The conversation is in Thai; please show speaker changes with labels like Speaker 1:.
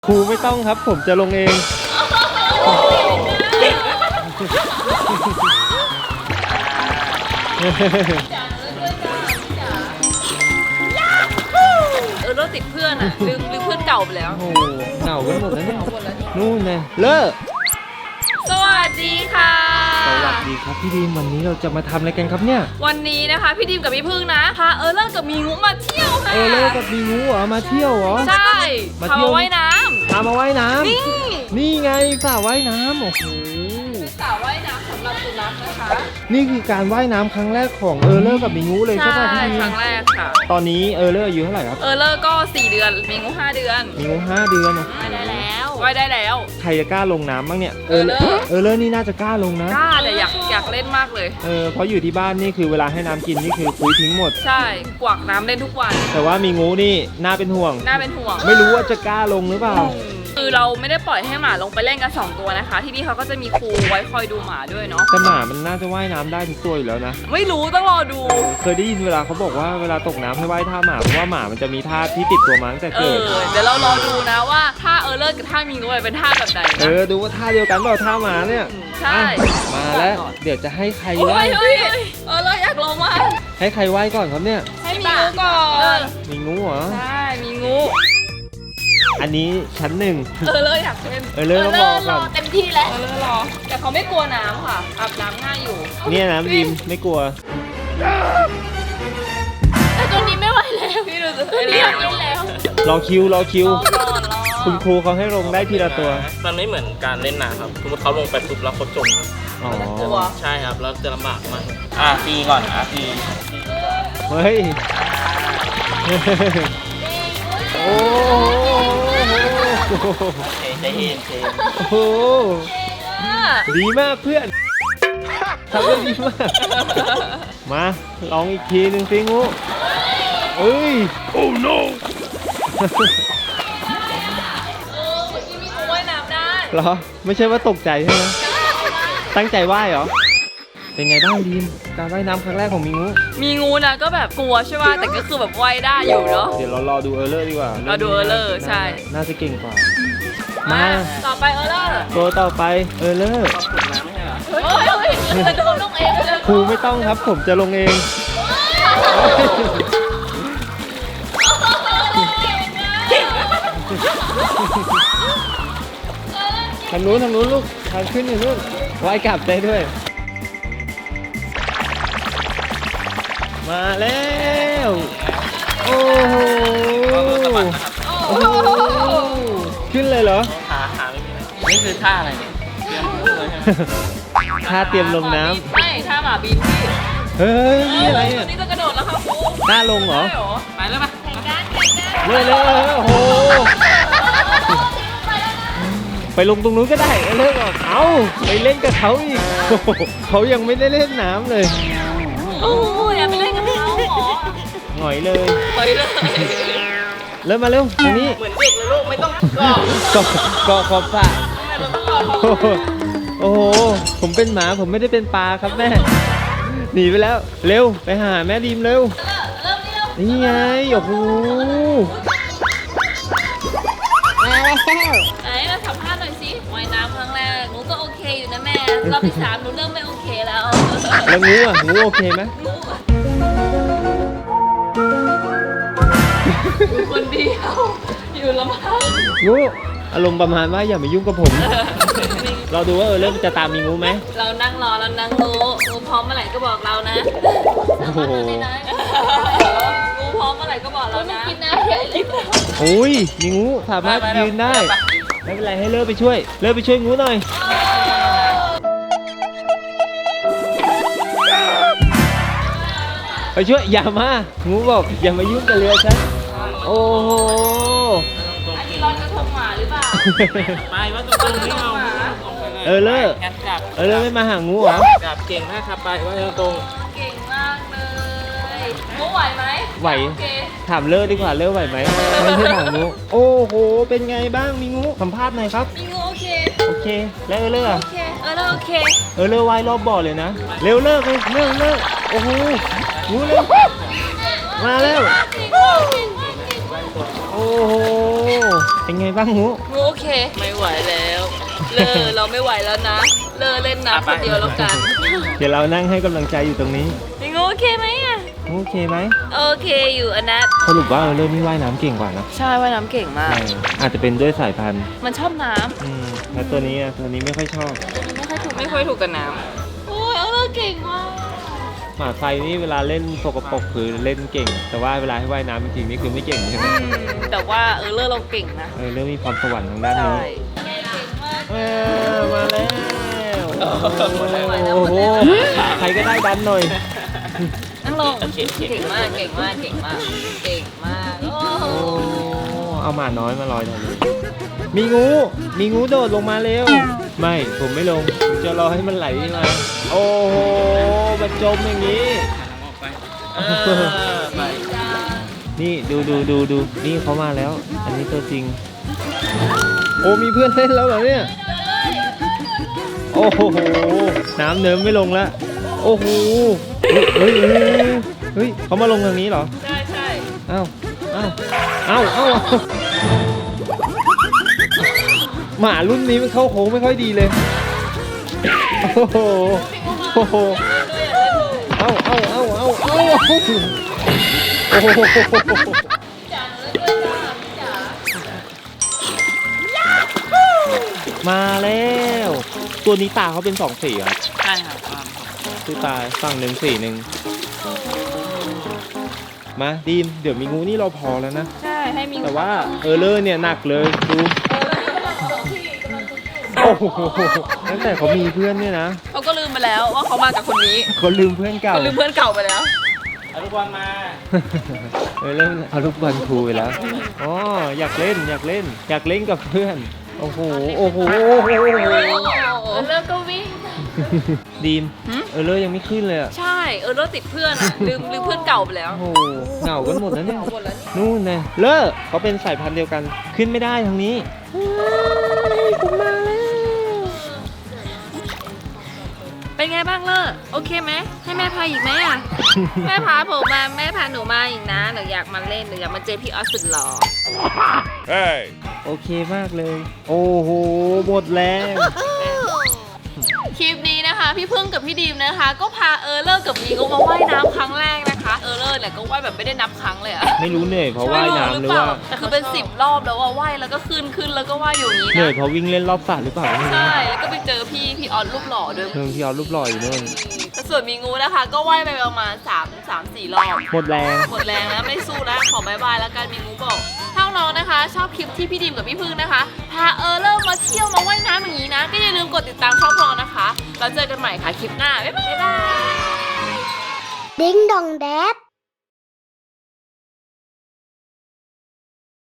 Speaker 1: ครูไม่ต้องครับผมจะลงเอง
Speaker 2: รถติดเพื่อนอ่ะลืมเพื่อนเก่าไปแล้ว
Speaker 1: โอ้โหเหงากันหมดแล้วเนี่ยนู่นไงเลิก
Speaker 2: สวัสดีค่ะ
Speaker 1: สวัสดีครับพี่ดีมวันนี้เราจะมาทำอะไรกันครับเนี่ย
Speaker 2: วันนี้นะคะพี่ดิมกับพี่พึ่งนะพาเลิกกับมีงูมาเที่ยวค่ะ
Speaker 1: เลิกกับมีงูเหรอมาเที่ยวเหรอ
Speaker 2: ใช่
Speaker 1: มา
Speaker 2: พา
Speaker 1: เที่ยว
Speaker 2: มาว่ายน้
Speaker 1: พามาว่ายน้
Speaker 2: ำนี่
Speaker 1: ำนี่ไงสระว่ายน้ำโอ้โห
Speaker 2: สระว่ายน้ำสำหรับสุนัขนะคะ
Speaker 1: นี่คือการว่ายน้ำครั้งแรกของเลิกกับมีงูเลยใช่ป่ะพี่ดี
Speaker 2: ค
Speaker 1: ม
Speaker 2: รั้งแรกค่ะ
Speaker 1: ตอนนี้เลิกอายุเท่าไหร่ครับ
Speaker 2: เลิกก็4 เดือนมีงู5 เดือน
Speaker 1: มีงู5 เดือนเหรอ
Speaker 2: ว่ายได้แล้วว่ายได้แล้ว
Speaker 1: ใครจะกล้าลงน้ำบ้างเนี่ย
Speaker 2: เลิก
Speaker 1: นี่น่าจะกล้าลงนะ
Speaker 2: กล้าแต่อยากเล่นมากเลย
Speaker 1: เพราะอยู่ที่บ้านนี่คือเวลาให้น้ำกินนี่คือคุยทิ้งหมด
Speaker 2: ใช่กวักน้ำเล่นทุกวัน
Speaker 1: แต่ว่ามีงูนี่น่าเป็นห่วง
Speaker 2: น่าเป็นห่วง
Speaker 1: ไม่รู้ว่าจะกล้าลงหรือเปล่า
Speaker 2: คือเราไม่ได้ปล่อยให้หมาลงไปเล่นกัน2 ตัวนะคะ ที่นี่เขาก็จะมีครูไว้คอยดูหมาด้วยเนาะ
Speaker 1: แต่หมามันน่าจะว่ายน้ำได้ทุกตัวอยู่แล้วนะ
Speaker 2: ไม่รู้ต้องรอดู
Speaker 1: เคยได้ยินเวลาเขาบอกว่าเวลาตกน้ำให้ว่ายท่าหมาเพราะว่าหมามันจะมีท่าที่ติดตัวมาตั้งแต่เกิด
Speaker 2: เดี๋ยวเรารอดูนะว่าท่าเลิกกับท่ามีงูเป็นท่าแบบไหนนะ
Speaker 1: ดูว่าท่าเดียวกันเปล่าท่าหมาเนี่ย
Speaker 2: ใช่
Speaker 1: อ่ะมาแล้วเดี๋ยวจะให้ใคร
Speaker 2: เฮ้
Speaker 1: ว่าย ย
Speaker 2: เฮ้ยเลิกอยากลงมา
Speaker 1: ให้ใครว่ายก่อนครับเนี่ย
Speaker 2: ให้มีงูก่อน
Speaker 1: มีงูเหรอ
Speaker 2: ใช่มีงู
Speaker 1: อันนี้ชั้นหนึ่ง
Speaker 2: เลิกอยากเล่น
Speaker 1: เลิกต้องรอก่อน
Speaker 2: เต็มที่แล้วเลิกรอแต่เขาไม่กลัวน้ำค่ะอาบน้ำง่ายอยู่
Speaker 1: เนี่ยนะดิมไม่กลัว
Speaker 2: แต่ตัวนี้ไม่ไหวแล้วพี่ดูสิเรียกเล่นแล้ว
Speaker 1: รอคิว
Speaker 2: รอ
Speaker 1: คุณครูเขาให้ลงได้ทีละตัว
Speaker 3: มันไม่เหมือนการเล่นน้ำครับสมมติเขาลงไปปุ๊บแล้วเขาจมครับ
Speaker 1: อ๋อ
Speaker 2: กลัว
Speaker 3: ใช่ครับแล้วจะลำบากมากตีก่อนตี
Speaker 1: เฮ้ย โอ้โห
Speaker 3: ใจเย็น
Speaker 1: โอ้โหดีมากเพื่อนทำได้ดีมาก มาลองอีกทีหนึ่งสิงูเอ้ย โอ้ no
Speaker 2: เมื่อกี้มีงูว่ายน้ำได้
Speaker 1: เหรอ ไม่ใช่ว่าตกใจใช่ไหมตั้งใจว่ายเหรอ เป็นไงบ้างดีมการว่ายน้ำครั้งแรกของมีงู
Speaker 2: มีงูนะก็แบบกลัวใช่ป่ะแต่ก็คือแบบว่ายได้อยู่เนาะ
Speaker 1: เดี๋ยวเรารอดูเลอร์ดีกว่า
Speaker 2: เราดูเลิกใช่
Speaker 1: น่าจะเก่งกว่า มา
Speaker 2: ต่อไปเลิก
Speaker 1: ตัวต่อไปเลอร์
Speaker 3: ฝึกน้ำไม่ใช่เหรอ
Speaker 2: เฮ้ยโดนลงเองเลย
Speaker 1: ครูไม่ต้องครับผมจะลงเอง ทางนู้นลูกทางขึ้นอยู่นู่นว่ายกลับได้ด้วย มาแล้ว โอ้โหโอ้โหขึ้นเลยเหรอ
Speaker 3: ขาไม่มีอะไรนี่คือท่าอะไรเนี่ยเตรียมเลยใช่ไหม
Speaker 1: ท่าเตรียมลงน้
Speaker 2: ไม่ท่าหมาบินพี่
Speaker 1: ำเฮ้ยนี่อะไรเนี่ย
Speaker 2: นี่จะกระโดดแล้วครับครู
Speaker 1: ท่าลงเหรอ
Speaker 2: ใช่เหรอไปแล้วปะ
Speaker 1: เลยโอ้โหไปลงตรงนู้นก็ได้เลิกออกเอาไปเล่นกับเขาอีกโอ้โหเขายังไม่ได้เล่นน้ำเลย
Speaker 2: โอ้ยอย่าไปเล่นกับเขาหรอ
Speaker 1: หงอยเลย
Speaker 2: ไปเลย
Speaker 1: เริ่มมาเร็วทางนี้
Speaker 3: เหมือนเด็กเลยลูกไม่ต้องเกาะ
Speaker 1: เกาะขอบสระโอ้โหโอ้โหผมเป็นหมาผมไม่ได้เป็นปลาครับแม่หนีไปแล้วเร็วไปหาแม่ดีมเร็ว
Speaker 2: เริ่มนี่เร็ว
Speaker 1: นี่ไงโอ้โห
Speaker 2: ไหนมาสัมภาษณ์หน่อยสิว่ายน้ำครั้งแรกหนูก็โอเคอยู่นะแม่รอบที่ 3หนูเริ่มไม่โอเคแล้ว
Speaker 1: แล้วงูโอเคไหม
Speaker 2: อยู่คนเดียวอยู่ลำพัง
Speaker 1: งูอารมณ์ประมาณว่าอย่ามายุ่งกับผม เราดูว่าเริ่มจะตามมีงูไหม
Speaker 2: เรานั่งรอเรานั่งรู้งูพร้อมเมื่อไหร่ก็บอกเรานะ
Speaker 1: โอ้โห
Speaker 2: งูพร้อมเมื่อไหร่ก็บอกเรานะกินน้ำใหญ่เลย
Speaker 1: โอ้ยมีงูสามารถยืนได้ไม่เป็นไรให้เลิกไปช่วยงูหน่อยไปช่วยอย่ามางูบอกอย่ามายุ่งกับเรือฉันโอ้โห
Speaker 2: อันนี้ลอยกระทงหมาหรือเปล่า
Speaker 3: ไปว่าตรงไม่เอา
Speaker 1: เลิก
Speaker 3: งั้นกลับ
Speaker 1: เลิกไม่มาหางูเหรอก
Speaker 3: ลับเก่งมากครับไปว่าตรง
Speaker 2: เก่งมากเลยงูไหวไหม
Speaker 1: ไหว
Speaker 2: โอเค
Speaker 1: ถามเลิกดีกว่าเลิกไหวไหมไม่ใช่ถามงูโอ้โหเป็นไงบ้างมีงูสัมภาษณ์หน่อยครับ
Speaker 2: มีงูโอเค
Speaker 1: โอเคแล้วเลิก
Speaker 2: โอเคแล้วโอเค
Speaker 1: เลิกว่ายรอบบ่อเลยนะเร็วเลิกโอ้โหงูเร็วมาแล้ว
Speaker 2: เก่งมากเก่งมากเก่งมาก
Speaker 1: โอ้โหเป็นไงบ้างงู
Speaker 2: งูโอเค ไม่ไหวแล้วเราไม่ไหวแล้วนะเล่นน้ำคนเดียวแล้วกัน
Speaker 1: เดี๋ยวเรานั่งให้กำลังใจอยู่ตรงนี้
Speaker 2: พี่งูโอเคไหมอ่ะ
Speaker 1: งูโอเคไหม
Speaker 2: โอเคอยู่อนัท
Speaker 1: สรุปว่าเริ่มนี่ว่ายน้ำเก่งกว่านะ
Speaker 2: ใช่ว่ายน้ำเก่งมาก
Speaker 1: อาจจะเป็นด้วยสายพันธุ์
Speaker 2: มันชอบน้
Speaker 1: แล้วตัวนี้อะตัวนี้ไม่ค่อยชอบ
Speaker 2: ำไม่ค่อยถูกกับน้ำโอ้ยเราเก่งมาก
Speaker 1: หมาไฟนี่เวลาเล่นสกปรกคือเล่นเก่ง แต่ว่าเวลาให้ว่ายน้ำจริงๆนี่คือไม่เก่งใช่ไหม
Speaker 2: แต่ว่าเราเก่งนะ
Speaker 1: เริ่มมีพรสวรรค์ทางด้าน
Speaker 2: ใช่
Speaker 1: นี้
Speaker 2: เก่งมาก
Speaker 1: มาแล้ว โอ้โหใครก็ได้ดันหน่อย
Speaker 2: นั่งลงเก่งมากเก่งมากเก่งมากเก่งมากโอ้
Speaker 1: โอ้เอาหมาน้อยมาลอยหน่อยเลยมีงูโดดลงมาเร็ว ไม่ผมไม่ลงผมจะรอให้มันไหลมา โอ้โหมันจมอย่างนี้
Speaker 3: ออกไป ไป
Speaker 1: นี่ดูนี่เขามาแล้ว อันนี้ตัวจริง โอ้มีเพื่อนเล่นแล้วเหรอเนี่ย โอ้โหน้ำเนิ้มไม่ลงแล้วโอ้โหเฮ้ยเขามาลงทางนี้เหรอ
Speaker 2: ใช่
Speaker 1: เอ้าหมารุ่นนี้มันเข้าโค้งไม่ค่อยดีเลยโอ้โหเอ้าโอ้โหมาแล้ว ตัวนี้ตาเขาเป็นสองสีครับ
Speaker 3: ใช่ครับความ
Speaker 1: คือตาฝั่งหนึ่งสีหนึ่งมาดีมเดี๋ยวมีงูนี่เราพอแล้วนะ
Speaker 2: ใช่ให้มี
Speaker 1: แต่ว่าเลอร์เนี่ยหนักเลยดูโอ้โหตั้งแต่เขามีเพื่อนเนี่ยนะ
Speaker 2: เขาก็ลืมไปแล้วว่าเขามากับคนนี้
Speaker 1: เขาลืมเพื่อนเก่า
Speaker 2: เขาลืมเพื่อนเก่าไปแล้ว
Speaker 3: เอาลูกบอลมา
Speaker 1: เริ่มเอาลูกบอลครูไปแล้วอ๋ออยากเล่นกับเพื่อนโอ้โห
Speaker 2: แล้วก็วิ่ง
Speaker 1: ดีม
Speaker 2: หืม
Speaker 1: เลอร์ยังไม่ขึ้นเลยอะ
Speaker 2: ใช่เราติดเพื่อนอะลืมเพื่อนเก่าไปแล้ว
Speaker 1: โอ้โหเหงากันหมดแล้วเนี่ย
Speaker 2: หมดแล้วนี่
Speaker 1: นู่นไงเลอร์เขาเป็นสายพันธุ์เดียวกันขึ้นไม่ได้ทางนี้ผมมาแล้ว
Speaker 2: เป็นไงบ้างเลอโอเคไหมให้แม่พาอีกไหมอ่ะ แม่พาผมมาแม่พาหนูมาอีกนะหนูอยากมาเล่นหนูอยากมาเจอพี่ออสสุดหล่อ
Speaker 1: โอเคมากเลย โอ้โหหมดแรง
Speaker 2: คลิปนี้นะคะพี่พึ่งกับพี่ดีมนะคะ ก็พาเลอร์กับมีก็มาว่ายน้ำครั้งแรกนะคะเลอร์เนี่ยก็ว่ายแบบไม่ได้นับครั้งเลยอะ
Speaker 1: ไม่รู้เหนื่อยเพราะว่ายน้ำหรือว่า
Speaker 2: แต่คือเป็น10 รอบแล้วว่าว่ายแล้วก็ขึ้นแล้วก็ว่ายอยู่อย่างนี้
Speaker 1: เหนื่อย
Speaker 2: นะ
Speaker 1: เพราะวิ่งเล่นรอบสระหรือเปล่าไม่รู้
Speaker 2: ใช่แล้วก็ไปเจอพี่ออสรูปหล่อด้วย
Speaker 1: เพิ่งที่เอารูปหล่ออยู่นู่น
Speaker 2: แต่ส่วนมีงูนะคะ ก็ว่ายไปประมาณ3-4 รอบ
Speaker 1: หมดแรง
Speaker 2: หมดแรงแล้วไม่สู้แล้วขอบายบายแล้วกันมีงูบอกถ้าน้องนะคะ ชอบคลิปที่พี่ดิมกับพี่พึ่งนะคะพาเริ่มมาเที่ยวมาว่ายน้ำอย่างนี้นะก็อย่าลืมกดติดตามช่องเรานะคะแล้วเจอกันใหม่ค่ะคลิปหน้าบ๊ายบาย
Speaker 4: Ding dong dad.